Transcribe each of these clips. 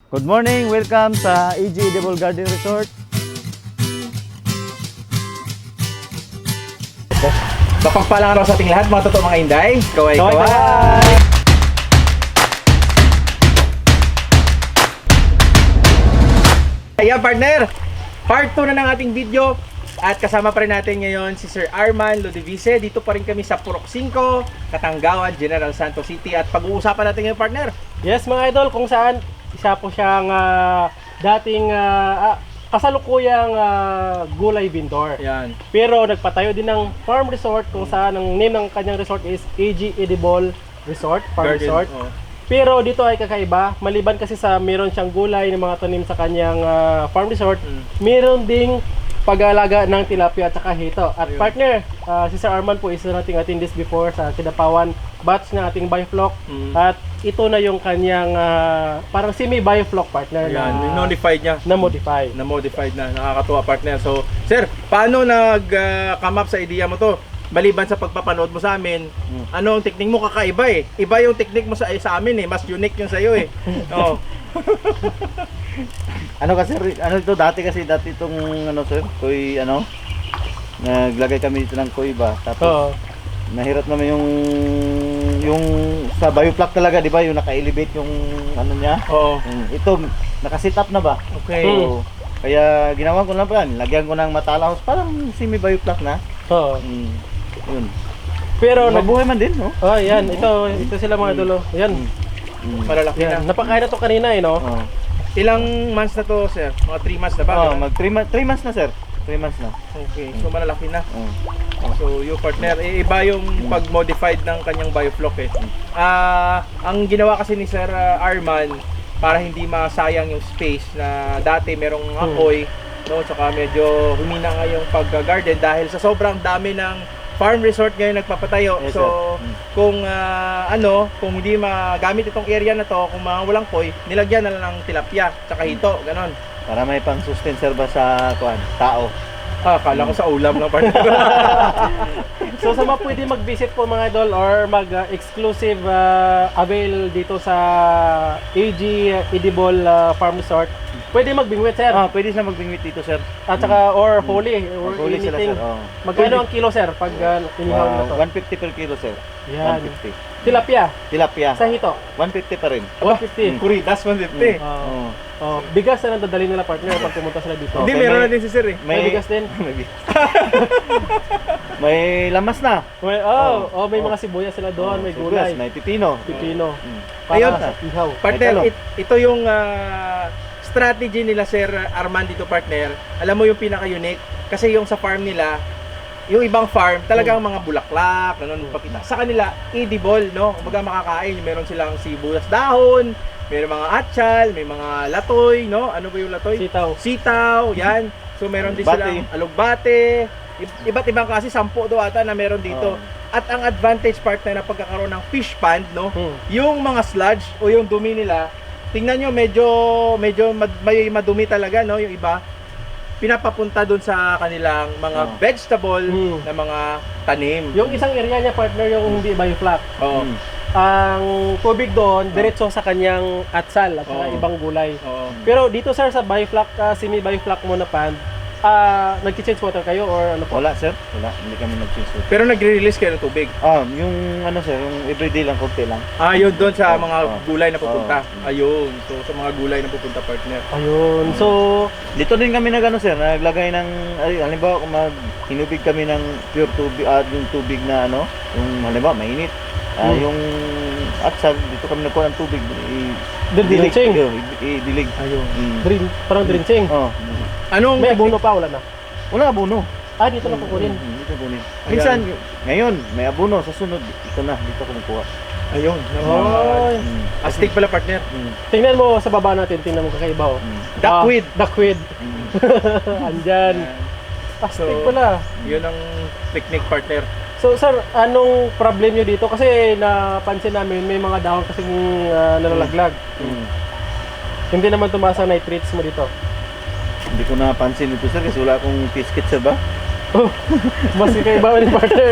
Good morning, welcome sa AG Edible Garden Resort. Mapagpalang araw sa ating lahat, mga totoo mga inday. Kaway. Ayan partner, part 2 na ng ating video. At kasama pa rin natin ngayon si Sir Arman Lodivice. Dito pa rin kami sa Purok 5, Katanggawan, General Santos City. At pag-uusapan natin ngayon partner. Yes mga idol, kung saan isa po siyang dating kasalukuyang gulay vendor. Ayan. Pero nagpatayo din ng farm resort kung saan ang name ng kanyang resort is AG Edible Resort, Farm Garden, Resort. oh. Pero dito ay kakaiba, maliban kasi sa meron siyang gulay ng mga tanim sa kanyang farm resort, meron ding pag-aalaga ng tilapia at saka hito. At Ayun. partner, si Sir Arman po isa nating attend this before sa Kidapawan batch ng ating bioflock. At ito na yung kanyang parang semi-bioflock partner Ayan, na modified niya. na-modify. Na-modified na, nakakatuwa partner. So, sir, paano nag-come up sa idea mo to? Maliban sa pagpapanood mo sa amin, ano ang technique mo kakaiba eh. Iba yung technique mo sa amin eh, mas unique yung sa'yo eh. Oo. Ano kasi, ano ito, dati itong, ano sir, koy, ano, naglagay kami dito ng koy ba? Tapos, Oo. nahirap naman yung sa bioflock talaga, di ba? Yung naka-elevate yung, ano niya. Oo. Ito, naka-sit up na ba? Okay. So, kaya ginawa ko lang pa yan, lagyan ko ng matalaos, parang semi-bioflock na. Oo. Yun. Pero Mabuhay man din, no? oh, yan, ito sila mga idol. Yan. Malalaki Yan. na. Napakain na to kanina eh, no? Oh. Ilang months na to, sir? Mga 3 months na ba? Oh, mag 3 months na sir. 3 months na. Okay, so malalaki na. Oh. So, yung partner, iba yung pag-modified ng kanyang bioflock eh. Ang ginawa kasi ni Sir Arman, para hindi masayang yung space na dati merong apoy, no, tsaka medyo humina nga yung pag-garden dahil sa sobrang dami ng farm resort ngayon nagpapatayo. Yes, So, kung kung hindi magamit itong area na to, kung mga walang koy, nilagyan na lang ng tilapia, tsaka hito, ganon. Para may pang-sustain sir ba sa tao. Kala ko sa ulam lang partner. So sa mga pwede mag-visit po mga idol or mag-exclusive avail dito sa AG Edible Farm Resort, pwede magbingwit sir. Pwede sila magbingwit dito sir. At saka or holy or Huli sila anything. sir. Oh. Magkano ang kilo sir pag inihaw na to? 150 per kilo sir. Yan. 150. Tilapia Tilapia. sa hito, 150 pa rin. 150. Kuritas 150. Oh. Bigas na dadali nila partner pag pumunta sila dito. Hindi, Okay, meron may- na din si Sir eh. May bigas din. May lamas na. May mga sibuyas sila doon, may Sibuyas, gulay, may pipino. pipino. Ayun. Para sa ihaw. Partner, May ito yung strategy nila Sir Arman dito partner. Alam mo yung pinaka-unique kasi yung sa farm nila, yung ibang farm talagang mga bulaklak, ganun papita. Sa kanila, edible, no? Kumbaga makakain, meron silang sibuyas dahon, meron mga atchal, may mga latoy, no? Ano ba yung latoy? Sitaw. Sitaw, yan. So meron din Alugbate. silang alugbate, iba't ibang klase, 10 daw ata na meron dito. At ang advantage partner na pagkakaroon ng fish pond, no? Yung mga sludge o yung dumi nila, tingnan nyo medyo may madumi talaga, no? Yung iba pinapapunta doon sa kanilang mga vegetable na mga tanim. Yung isang area niya partner yung hindi bioflock. Oo. Ang tubig doon diretso sa kanyang atsal at saka Oo. ibang gulay. Oo. Pero dito sir sa bioflock, semi-bioflock mo na pond, nag-change water kayo or ano po? Wala sir. Wala. Hindi kami nag-change. Pero nagre-release kayo ng tubig. Yung ano sir, yung everyday lang, konti lang. Yun doon sa mga Oo. gulay na pupunta. Oo. Ayun. So sa mga gulay na pupunta partner. Ayun. So, Dito din kami sir, naglagay ng, halimbawa kung hinubig kami ng pure tubig, yung tubig na yung halimbawa mainit. Yung atsal, dito kami nagkuha ng tubig. Drenching. I-dilig. ayun. Parang drenching. Anong May abono pa, wala na. Wala abono. Dito na kukunin. Dito kunin. Minsan, ngayon, may abono. Sa sunod, ito na. Dito kumukuha. Ayun. Oy. Astig pala partner. Tingnan mo sa baba natin, tingnan mo kakaiba oh. Duckweed. Duckweed. Andyan. Astig So, pala. Yun ang technique partner. So sir, anong problem nyo dito? Kasi napansin namin may mga dahon kasing nalalaglag. Hindi naman tumaas ang nitrates mo dito. Hindi ko napansin ito sir kasi wala akong biscuit sir ba? Oh, mas kakaiba ni partner.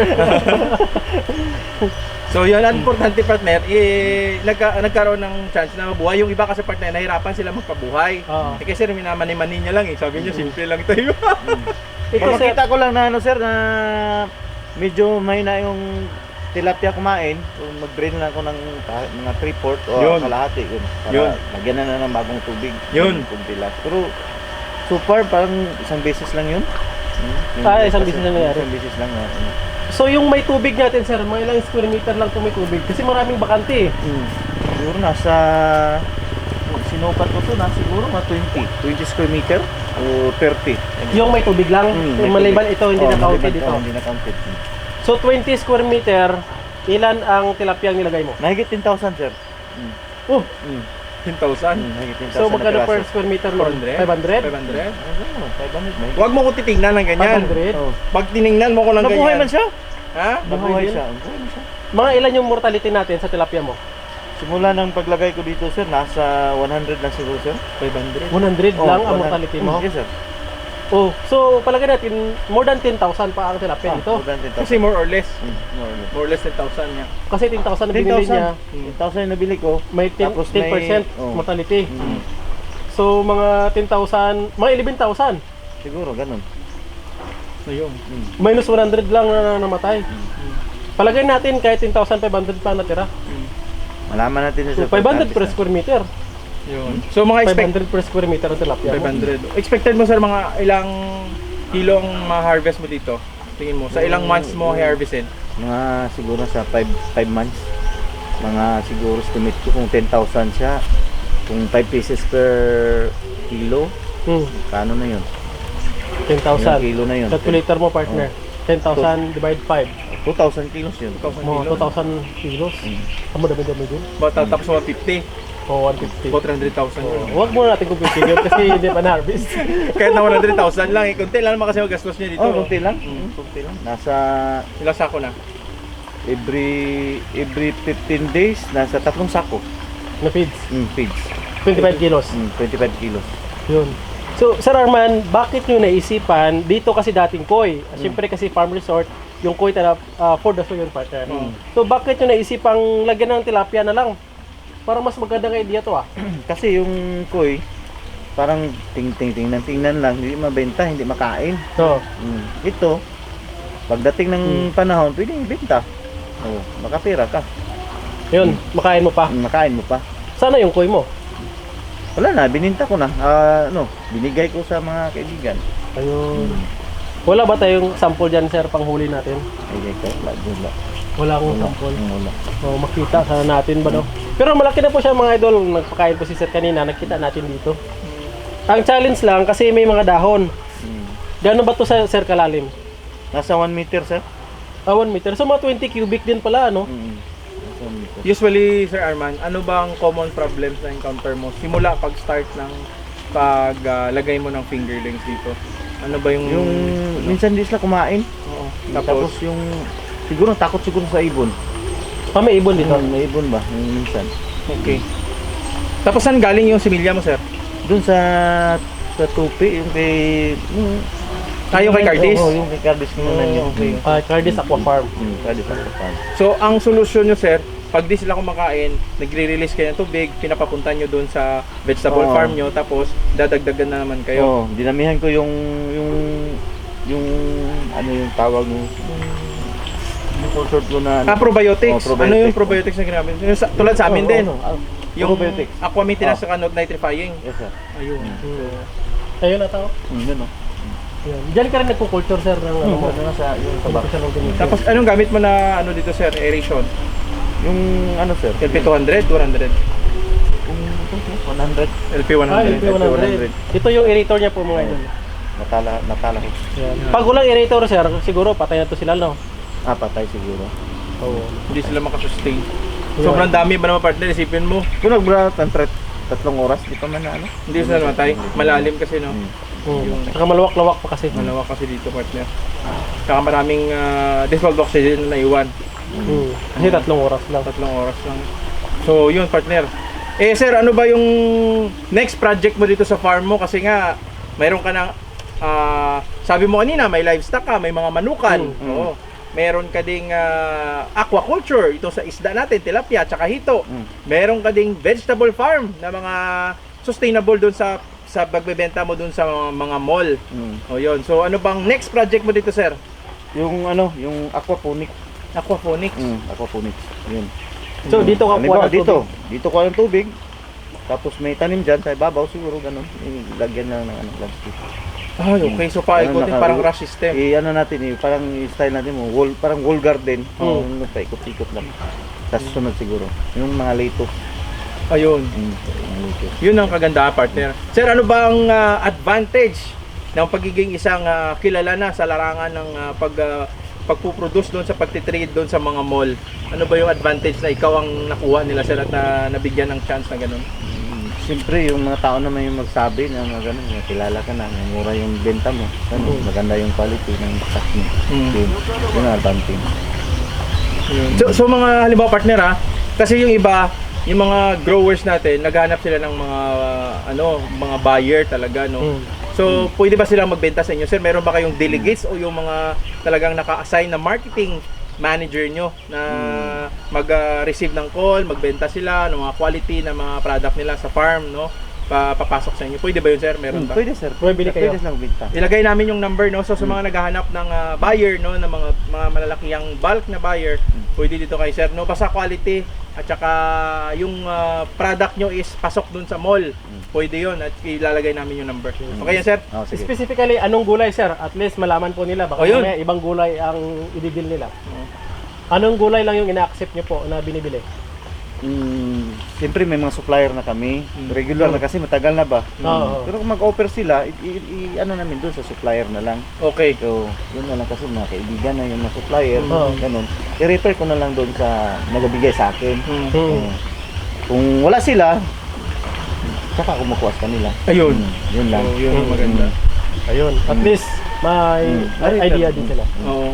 So yun, ang importante partner, nagkaroon ng chance na mabuhay. Yung iba kasi partner, nahirapan sila magpabuhay. Oo. Kasi minamani-mani niya lang eh. Sabi niya, simple lang tayo. Ito sir, Makita ko lang na ano sir na medyo mahina yung tilapia kumain. Kung mag-drain lang ako ng mga 3/4 o Yun. kalahati yun. Para Yun. lagyan na ng bagong tubig. Yun. Kung tilapia. Pero so far parang isang beses lang yun. Isang beses lang nangyari. Isang beses lang. Ano. so yung may tubig natin sir, mga ilang square meter lang po may tubig. Kasi maraming bakante eh. Siguro nasa sinukat ko to na siguro mga 20 square meter o 30. Yung may tubig lang, yung maliban ito hindi na counted dito. Hindi na counted. So 20 square meter, ilan ang tilapia ang nilagay mo? Mahigit 10,000 sir. Oh, 10,000. Mahigit 10,000 so magkano na per piraso. square meter nun? 400? 500? 500? Ano, 500 mahigit. Huwag mo ko titingnan ng ganyan. 500? Oh. Pag tiningnan mo ko ng ganyan. Nabuhay man siya. Ha? Nabuhay din. siya. Nabuhay man siya. Mga ilan yung mortality natin sa tilapia mo? Simula ng paglagay ko dito sir, nasa 100 lang siguro sir. 500. 100 lang ang mortality mo? Yes sir. Oh, so palagay natin more than 10,000 pa ang tilapia dito. More than 10,000. Kasi more or less. More or less. More or less 10,000 niya. Kasi 10,000 na binili niya, 10,000 yung nabili ko. may 10%, Tapos may- 10% oh. mortality. Mm. So mga 10,000, mga 11,000. Siguro ganun. So yun. Minus 100 lang na namatay. Palagay natin kahit 10,500 pa natira. Malaman natin So sa 500 per square meter. Yun. So mga 500 per square meter ang tilapia mo. 500. Expected mo sir mga ilang kilo ang ma-harvest mo dito? Tingin mo, sa ilang months mo i-harvestin? Mga siguro sa 5 months. Mga siguro estimate ko kung 10,000 siya. Kung 5 pieces per kilo, kano na yun? 10,000. Kilo na yun. Calculator mo partner. 10,000 divide 5. 2,000 kilos yun. 2,000 Mga kilos. 2,000 kilos. Amo dami-dami din. Tapos 150, O 150. about 100,000 yun. Huwag muna natin compute yun kasi hindi pa na-harvest. Kahit na 100,000 lang, konti lang naman kasi magastos niya dito. Oh, konti lang. Konti lang. Nasa Ilang sako na? every 15 days, nasa 3 sako. Na feeds. Feeds. 25 kilos. 25 kilos. Yun. So, Sir Arman, bakit nyo naisipan, dito kasi dating koi, siyempre kasi farm resort, yung koi tala for the soil partner. So, bakit nyo naisipang lagyan ng tilapia na lang? Para mas magandang idea to ah. Kasi yung koi, parang tingnan lang, hindi mabenta, hindi makain. So, Ito, pagdating ng panahon, pwedeng ibenta. Oh, makapira ka. yun, makain mo pa. Makain mo pa. Sana yung koi mo? Wala na, bininta ko na. Binigay ko sa mga kaibigan. Ayun. Wala ba tayong sample dyan, sir, panghuli natin? Bigay ko, wala. Wala akong sample. Wala. O, makita sana natin ba no? Pero malaki na po siya mga idol. Nagpakain po si Sir kanina. Nakita natin dito. Ang challenge lang kasi may mga dahon. Gano'n ba to sa Sir kalalim? Nasa 1 meter, sir. 1 meter. So mga 20 cubic din pala, ano? Nasa 1 meter. Usually, Sir Arman, ano bang common problems na encounter mo? Simula pag-start ng paglagay mo ng fingerlings dito. Ano ba yung... Yung minsan di sila kumain. Oo. Tapos yung siguro takot siguro sa ibon. May ibon dito. May ibon ba? Yung minsan. Okay. Tapos saan galing yung similya mo, sir? Doon sa tupi, yung kay Yung kay Cardis? Oo, yung kay Cardis naman yung kay Cardis Aqua Farm. Cardis ako pa. So, ang solusyon nyo, sir, pag di sila kumakain, nagre-release kayo ng tubig, pinapapunta nyo doon sa vegetable Oo. farm nyo, tapos dadagdagan na naman kayo. Oo, dinamihan ko yung ano yung tawag mo? Yung consort ko na Probiotics. Oh, probiotics. Ano yung probiotics na ginamit? Yung tulad sa amin din. Yung probiotics. aqua maintenance sa nitrifying. Yes, sir. Ayun. Ayun na tao. Yun o. Yan. Diyan ka rin nagpo-culture, sir, ng ano mo. Ano sa yung sa box. Tapos anong gamit mo na ano dito, sir? Aeration? Yung ano, sir? LP200, 200? Yung 100. LP100. LP100. Ito yung aerator niya po mga idol. Natala ko. Yan. Pag walang aerator, sir, siguro patay na to sila, no? Patay siguro. Oo. Hindi sila makasustain. Sobrang dami ba naman partner? Isipin mo. Kung nagbra 3 oras, di pa man na ano. Hindi sila namatay. Malalim kasi, no? Saka malawak-lawak pa kasi. Malawak kasi dito, partner. Saka maraming dissolved oxygen na iwan. Kasi 3 oras lang. 3 oras lang. So, yun, partner. Sir, ano ba yung next project mo dito sa farm mo? Kasi nga, mayroon ka ng sabi mo kanina, may livestock ka, may mga manukan. Mm. Oo. Meron ka ding aquaculture, ito sa isda natin, tilapia, tsaka hito. Mm. Meron ka ding vegetable farm na mga sustainable doon sa pagbebenta mo doon sa mga mall. Mm. O yun. So ano bang next project mo dito, sir? Yung yung aquaponic. Aquaponics. Aquaponics. Yun. So, dito ka kuha ng Dito kuha ng tubig. Tapos may tanim dyan sa ibabaw siguro ganun. Lagyan lang ng landscape. Ay, okay. So paikutin, Ano, parang rush system. Ano natin parang style natin mo, parang wall garden. Oh. Paikot-ikot lang. Tapos sunod siguro. Yung mga lettuce. Ayun. Mga lettuce. Yun ang kagandahan, partner. Sir, ano ba ang advantage ng pagiging isang kilala na sa larangan ng pagpuproduce doon sa pagtitrade doon sa mga mall? Ano ba yung advantage na ikaw ang nakuha nila, sir, at nabigyan ng chance na ganun? Siyempre, yung mga tao naman yung magsabi na mga ganun, kilala ka na, mura yung benta mo. Maganda yung quality ng stock mo. Yun ang advantage. So mga halimbawa, partner, kasi yung iba, yung mga growers natin, naghahanap sila ng mga mga buyer talaga, no. So pwede ba silang magbenta sa inyo, sir? Meron ba kayong delegates o yung mga talagang naka-assign na marketing manager nyo na mag-receive ng call, magbenta sila ng mga quality na mga product nila sa farm, no? Papasok sa inyo. Pwede ba yun, sir? Meron ba? Pwede sir. Bumibili kayo. Pwede silang benta. Ilagay namin yung number, no? So sa mga naghahanap ng buyer, no, ng mga malalakihang bulk na buyer, pwede dito kay sir, no? Basta quality at saka yung product nyo is pasok dun sa mall. Pwede yun at ilalagay namin yung number. Okay yan, sir? Oh, sige. Specifically, anong gulay, sir? At least malaman po nila. Baka Ayun. may ibang gulay ang i-deal nila. Anong gulay lang yung ina-accept nyo po na binibili? Siyempre may mga supplier na kami. Regular na kasi matagal na ba. Oo. Pero kung mag-offer sila, ano namin doon sa supplier na lang. Okay. So, yun na lang kasi mga kaibigan na yung mga supplier, Oo. ganun. I-refer ko na lang doon sa nagbibigay sa akin. Hmm. Kung wala sila, saka kumukuha sa kanila. Ayun. Yun lang. So, yun ang maganda. Ayun. At least, may idea din sila. Oo.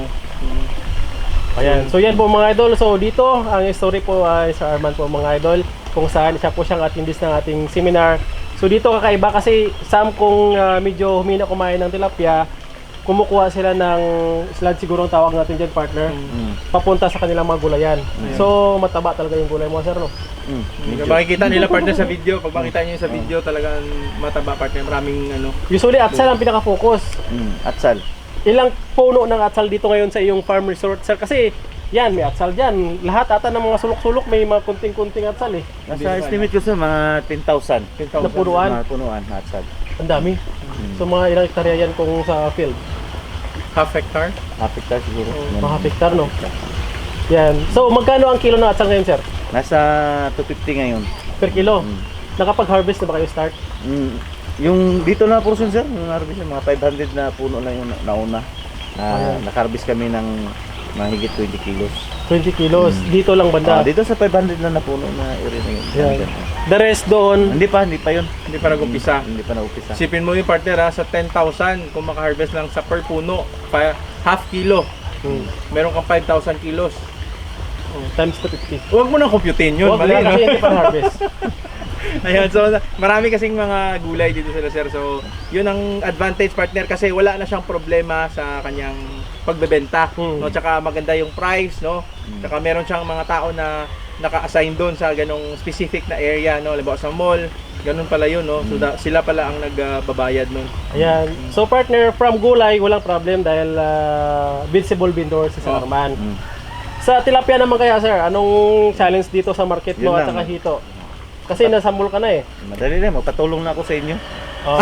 Ayan. So yan po mga idol. So dito, ang story po ay sa Arman po mga idol. Kung saan siya po siyang attendee ng ating seminar. So dito kakaiba kasi kung medyo humina kumain ng tilapia, kumukuha sila ng sludge siguro ang tawag natin dyan, partner. Papunta sa kanilang mga gulayan. So mataba talaga yung gulay mo, sir, no? Makikita nila, partner, sa video. Pag makita nyo yung sa video, talagang mataba, partner. Maraming Usually atsal ang pinaka-focus. Atsal. Ilang puno ng atsal dito ngayon sa iyong farm resort, sir? Kasi yan, may atsal dyan. Lahat ata ng mga sulok-sulok may mga kunting-kunting atsal eh. Nasa estimate ko sa mga 10,000. Na punuan. Mga punuan na atsal. Ang dami. So mga ilang hektarya yan kung sa field? half hectare. Half hectare siguro. Mga hektar, no? Yan. So magkano ang kilo ng atsal ngayon, sir? Nasa 250 ngayon. Per kilo? Nakapag-harvest na ba kayo start? Yung dito na portion sir, yung harvest yung mga 500 na puno lang yung nauna. Naka-harvest kami ng mahigit 20 kilos. 20 kilos. Dito lang banda. Dito sa 500 na napuno na area na yun. Yan. The rest doon. Hindi pa yun. Hindi pa nag-umpisa. Hindi pa na-umpisa. Sipin mo yung, partner, sa 10,000 kung maka-harvest lang sa per puno, half kilo. Meron kang 5,000 kilos. Times 250. Huwag mo nang computein yun. Huwag Mali, na no? kasi hindi pa harvest. Ayan, so marami kasing mga gulay dito sila, sir. So, yun ang advantage, partner, kasi wala na siyang problema sa kanyang pagbebenta, no? Tsaka maganda yung price, no? Tsaka meron siyang mga tao na naka-assign doon sa ganong specific na area, no? Halimbawa sa mall, ganun pala yun, no? So, sila pala ang nagbabayad nun. Ayan. So partner, from gulay, walang problem dahil visible vendor si Sir Arman. Sa tilapia naman kaya, sir, anong challenge dito sa market mo Yun at lang. saka hito? Kasi nasa mall ka na eh. Madali na, magpatulong na ako sa inyo. Oh,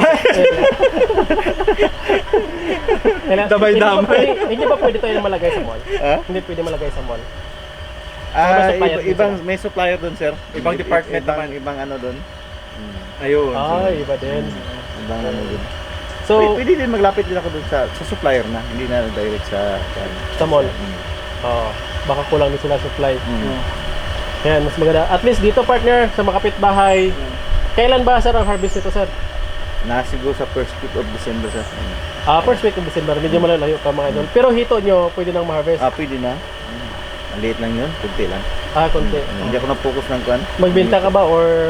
Damay-damay. Hindi ba pwede tayo malagay sa mall? Hindi pwede malagay sa mall. May supplier doon sir. Ibang department naman. Ibang ano doon. Ayun. Iba din. Ibang ano doon. So, Pwede din maglapit din ako doon sa supplier na, hindi na direct sa sa mall. Baka kulang din sila supply. Yan, mas maganda. At least dito, partner, sa mga kapitbahay, kailan ba, sir, ang harvest nito, sir? Siguro sa first week of December sir. First week of December, medyo malalayo pa mga idol. Pero hito nyo, pwede nang ma-harvest. Pwede na. Maliit lang yun, kunti lang. Konti. Hindi ako na-focus ng kwan. Magbenta ka ba or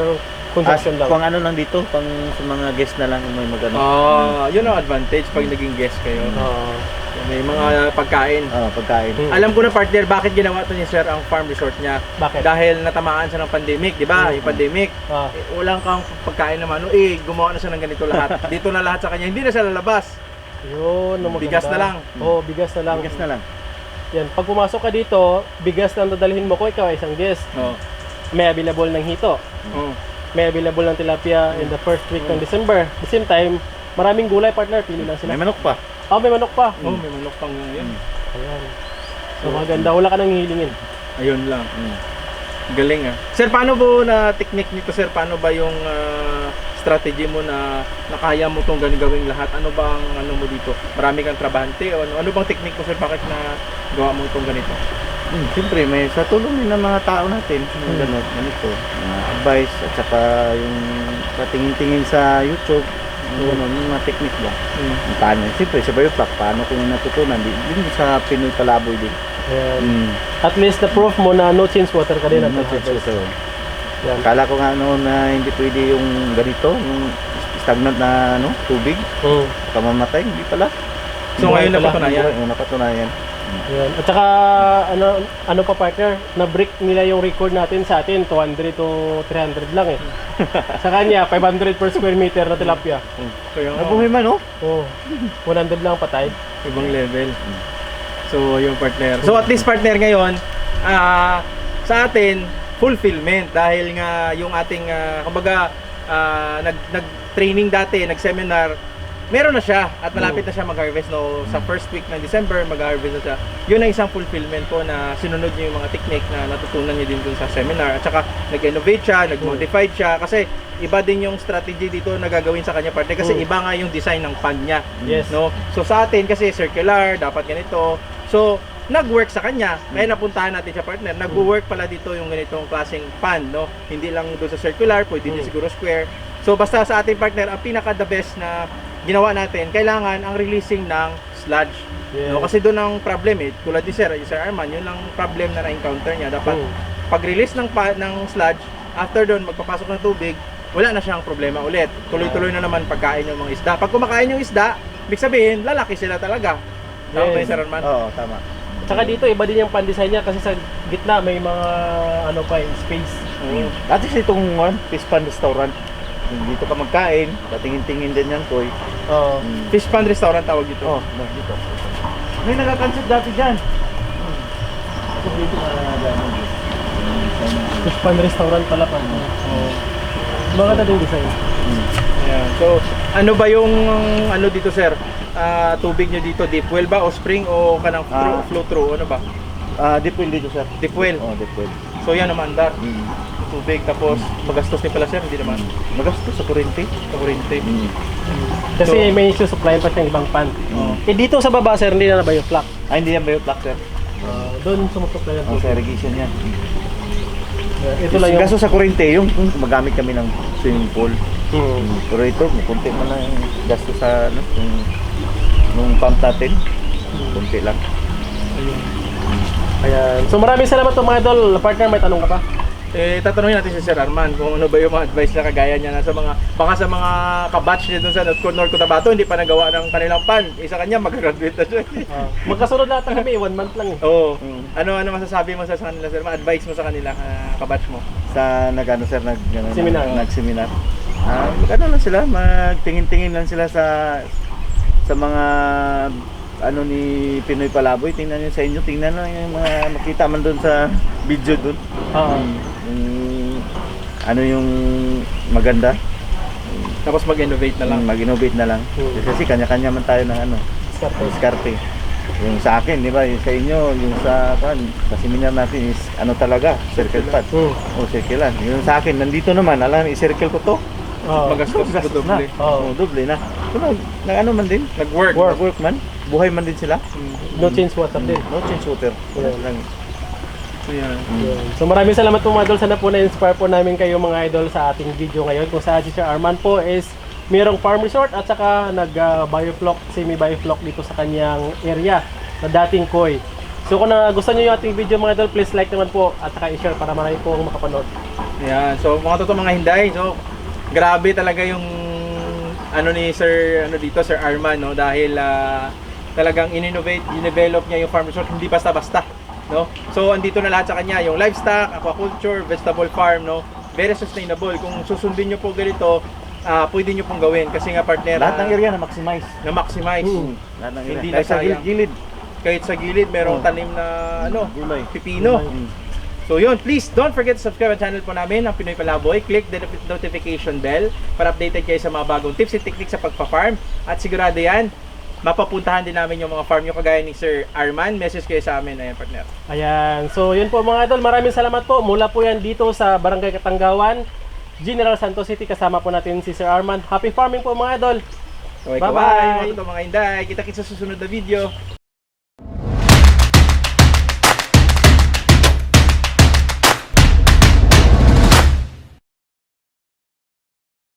Consumption lang. Kung ano lang dito, pang sa mga guest na lang may magano. Yun ang advantage pag naging guest kayo. Oo. May mga pagkain. Pagkain. Alam ko na partner, bakit ginawa to ni Sir ang farm resort niya? Bakit? Dahil natamaan siya ng pandemic, di ba? Yung pandemic. Ah. Walang kang pagkain naman. Gumawa na siya ng ganito lahat. Dito na lahat sa kanya. Hindi na siya lalabas. Yun, ang maganda. Bigas na lang. Oo, bigas na lang. Bigas na lang. Yan, pag pumasok ka dito, bigas lang dadalhin mo ko, ikaw ay isang guest. Oh. May available ng hito. Oh. May available ng tilapia in the first week ng December. At the same time, maraming gulay partner, pili lang sila. May manok pa. Oh, may manok pa. May manok pang yun. Ayan. So maganda, wala ka nang hihilingin. Ayun lang. Galing ah. Sir, paano po na technique nito sir? Paano ba yung strategy mo na nakaya mo tong gawing lahat? Ano ba ang ano mo dito? Marami kang trabahante o ano bang technique mo sir? Bakit na gawa mo itong ganito? Siyempre, may sa tulong din ng mga tao natin, yung ganito, advice, at saka yung patingin-tingin sa YouTube, yung mga technique ba. Paano, siyempre, sa Bioflock, paano ko yung natutunan, din sa Pinoy Palaboy din. Ayan. At least na-proof mo na no change water ka din. Yan. Kala ko nga noon na hindi pwede yung ganito, yung stagnant na tubig, kamamatay, hindi pala. So ngayon napatunayan. Napatunayan. Ayan. At saka ano pa partner, na-break nila yung record natin sa atin, 200 to 300 lang eh. Sa kanya, 500 per square meter na tilapia. Kaya Nabuhay man, oh. Oh, 100 lang patay. ibang level. So yung partner. So at least partner ngayon, sa atin, fulfillment dahil nga yung ating kumbaga nag-training dati, nag-seminar, meron na siya at malapit na siya mag-harvest sa first week ng December mag-harvest na siya. Yun ang isang fulfillment po na sinunod niyo yung mga technique na natutunan niyo din dun sa seminar at saka nag-innovate siya, nag-modify siya kasi iba din yung strategy dito na gagawin sa kanya partner kasi iba nga yung design ng pan niya. Yes. No? So sa atin kasi circular, dapat ganito. So nag-work sa kanya, kaya napuntahan natin siya partner. Nag-work pala dito yung ganitong klaseng pan, no? Hindi lang doon sa circular, pwede din siguro square. So basta sa ating partner, ang pinaka the best na ginawa natin, kailangan ang releasing ng sludge. Yes. No? Kasi doon ang problem tulad ni Sir Arman, yun ang problem na na-encounter niya. Dapat pag-release ng sludge, after doon magpapasok ng tubig, wala na siyang problema ulit. Tuloy-tuloy na naman pagkain yung mga isda. Pag kumakain yung isda, ibig sabihin, lalaki sila talaga. Tama ba Yes. yun, Sir Arman? Oo, tama. Tsaka dito, iba din yung pan-design niya kasi sa gitna may mga space. Dati sa itong fish pan restaurant, dito ka magkain, patingin-tingin din yan, Koy. Oo. Fish Pan Restaurant tawag dito. Dito. May nagakansip dati dyan. Dito Fish pan restaurant pala pa. Maganda din design. Ayan. So, ano ba yung dito, sir? Tubig nyo dito, deep well ba o spring o kanang flow through? Ano ba? Deep well dito, sir. Deep well. Deep well. So yan naman dar. Tubig tapos magastos din pala sir, hindi naman. Magastos sa kurente. Sa kuryente. Kasi may supply pa siyang ibang pan. Eh dito sa baba sir, hindi na ba yung flock? Hindi yan Bioflock, sir. Doon sumusupply ng Sa tubig. irrigation yan. Ito lang yung... Gasto sa kurente, yung magamit kami ng swimming pool. Hmm. Pero ito, kunti man lang yung gasto sa nung pump natin. Kunti lang. Ayan. So maraming salamat po mga idol. Partner, may tanong ka pa? Tatanungin natin si Sir Arman kung ano ba yung mga advice na kagaya niya na baka sa mga kabatch niya dun sa North Cotabato hindi pa nagawa ng kanilang pan. Isa kanya mag-graduate na siya. Magkasunod lahat kami, 1 month lang eh. Oo. Ano masasabi mo sa kanila sir? Advice mo sa kanila, kabatch mo? Sa Seminar. Nag-seminar. Ano lang sila, magtingin-tingin lang sila sa mga ni Pinoy Palaboy. Tingnan niyo sa inyo, tingnan lang yung mga makita man doon sa video doon. Yung maganda. Tapos mag-innovate na lang. Mag-innovate na lang. Kasi kanya-kanya man tayo ng diskarte. Yung sa akin, di ba? Yung sa inyo, yung sa seminar natin is talaga, circle pad. Circle lang. Yung sa akin, nandito naman, i-circle ko to. Magastos na doble. Doble na. So, man din. Nag-work man. Buhay man din sila. No change water din. No change water. So, yan. So maraming salamat po mga idol. Sana po na-inspire po namin kayo mga idol sa ating video ngayon. Kung saan si Sir Arman po is mayroong farm resort at saka nag-bioflock, semi-bioflock dito sa kanyang area na dating Koi. So kung gusto nyo yung ating video mga idol, please like naman po at saka i-share para marami po makapanood. Yan. So mga totoo mga hinday, so grabe talaga yung ano ni Sir Sir Arman, no, dahil talagang in-develop niya yung farm resort hindi basta-basta, no. So andito na lahat sa kanya, yung livestock, aquaculture, vegetable farm, no. Very sustainable. Kung susundin niyo po ganito, pwede niyo pong gawin kasi nga partner Lahat ng area na maximize. na-maximize. Lahat ng area. Hindi Kahit sa nasayang. gilid. Kahit sa gilid merong tanim na Gulay. pipino. Mm. So yun, please don't forget to subscribe ang channel po namin, ang Pinoy Palaboy. Click the notification bell para updated kayo sa mga bagong tips and techniques sa pagpa-farm. At sigurado yan, mapapuntahan din namin yung mga farm nyo kagaya ni Sir Arman. Message kayo sa amin, ayan partner. Ayan. So, yun po mga idol. Maraming salamat po. Mula po yan dito sa Barangay Katanggawan, General Santos City. Kasama po natin si Sir Arman. Happy farming po mga idol. Okay, Bye-bye. bye-bye. Mga inday, kita-kits sa susunod na video.